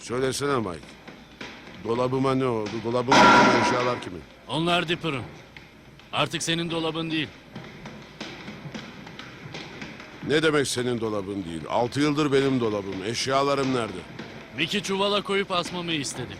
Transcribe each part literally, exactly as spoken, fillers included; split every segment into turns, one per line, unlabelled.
Söylesene Mike. Dolabıma ne oldu? Dolabımdaki eşyalar kimin?
Onlar Dipper'ın. Artık senin dolabın değil.
Ne demek senin dolabın değil? Altı yıldır benim dolabım. Eşyalarım nerede?
Mickey çuvala koyup asmamı istedi.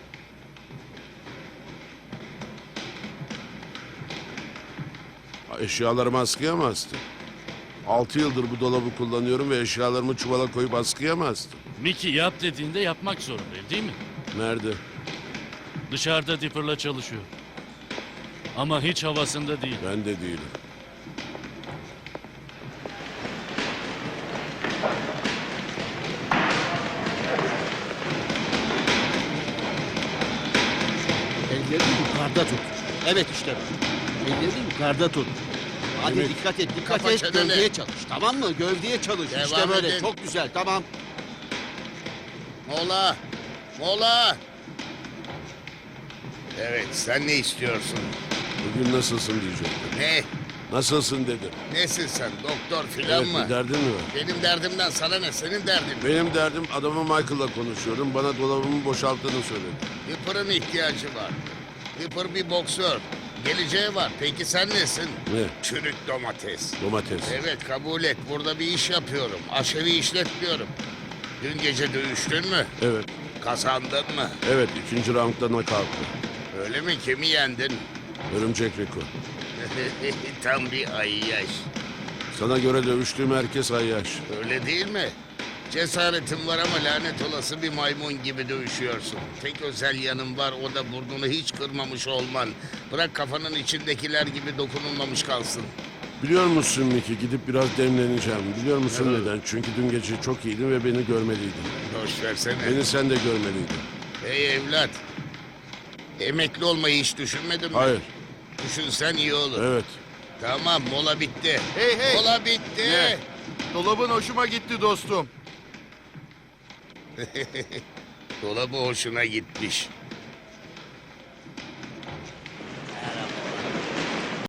Eşyalarımı askıya mı astın? Altı yıldır bu dolabı kullanıyorum ve eşyalarımı çuvala koyup askıya mı astın?
Mickey yap dediğinde yapmak zorundayım, değil mi?
Nerede?
Dışarıda Dipper'la çalışıyor. Ama hiç havasında değil.
Ben de değilim.
Ellerini yukarıda tut. Evet işte. Ellerini yukarıda tut. Hadi
Demek-
dikkat et, dikkat
Kafa
et.
çeneni.
Gövdeye çalış. Tamam mı? Gövdeye çalış.
Devam
işte böyle.
edin.
Çok güzel. Tamam.
Mola! Mola! Evet, sen ne istiyorsun?
Bugün nasılsın diyecektim.
Ne?
Nasılsın dedim.
Nesin sen? Doktor filan
Evet,
mı?
bir derdin mi var?
Benim derdimden sana ne? Senin derdin.
Benim derdim adamı Michael'la konuşuyorum. Bana dolabımı boşalttığını söyledi.
Dipper'ın ihtiyacı var. Dipper bir boksör. Geleceği var. Peki sen nesin?
Ne?
Çürük domates.
Domates.
Evet, kabul et. Burada bir iş yapıyorum. Aşevi işletmiyorum. Dün gece dövüştün mü?
Evet.
Kazandın mı?
Evet, ikinci roundda kalktı.
Öyle mi? Kimi yendin?
Örümcek Rico.
Tam bir ayyaş.
Sana göre dövüştüğüm herkes ayyaş.
Öyle değil mi? Cesaretin var ama lanet olası bir maymun gibi dövüşüyorsun. Tek özel yanın var, o da burnunu hiç kırmamış olman. Bırak kafanın içindekiler gibi dokunulmamış kalsın.
Biliyor musun Mickey, gidip biraz demleneceğim. Biliyor musun
Evet.
neden? Çünkü dün gece çok iyiydin ve beni görmeliydin.
Boş versene.
Beni sen de görmeliydin.
Hey evlat. Emekli olmayı hiç düşünmedin mi?
Hayır.
Düşünsen iyi olur.
Evet.
Tamam, mola bitti.
Hey hey!
Mola bitti.
Ne? Dolabın hoşuma gitti dostum.
Dolabı hoşuna gitmiş.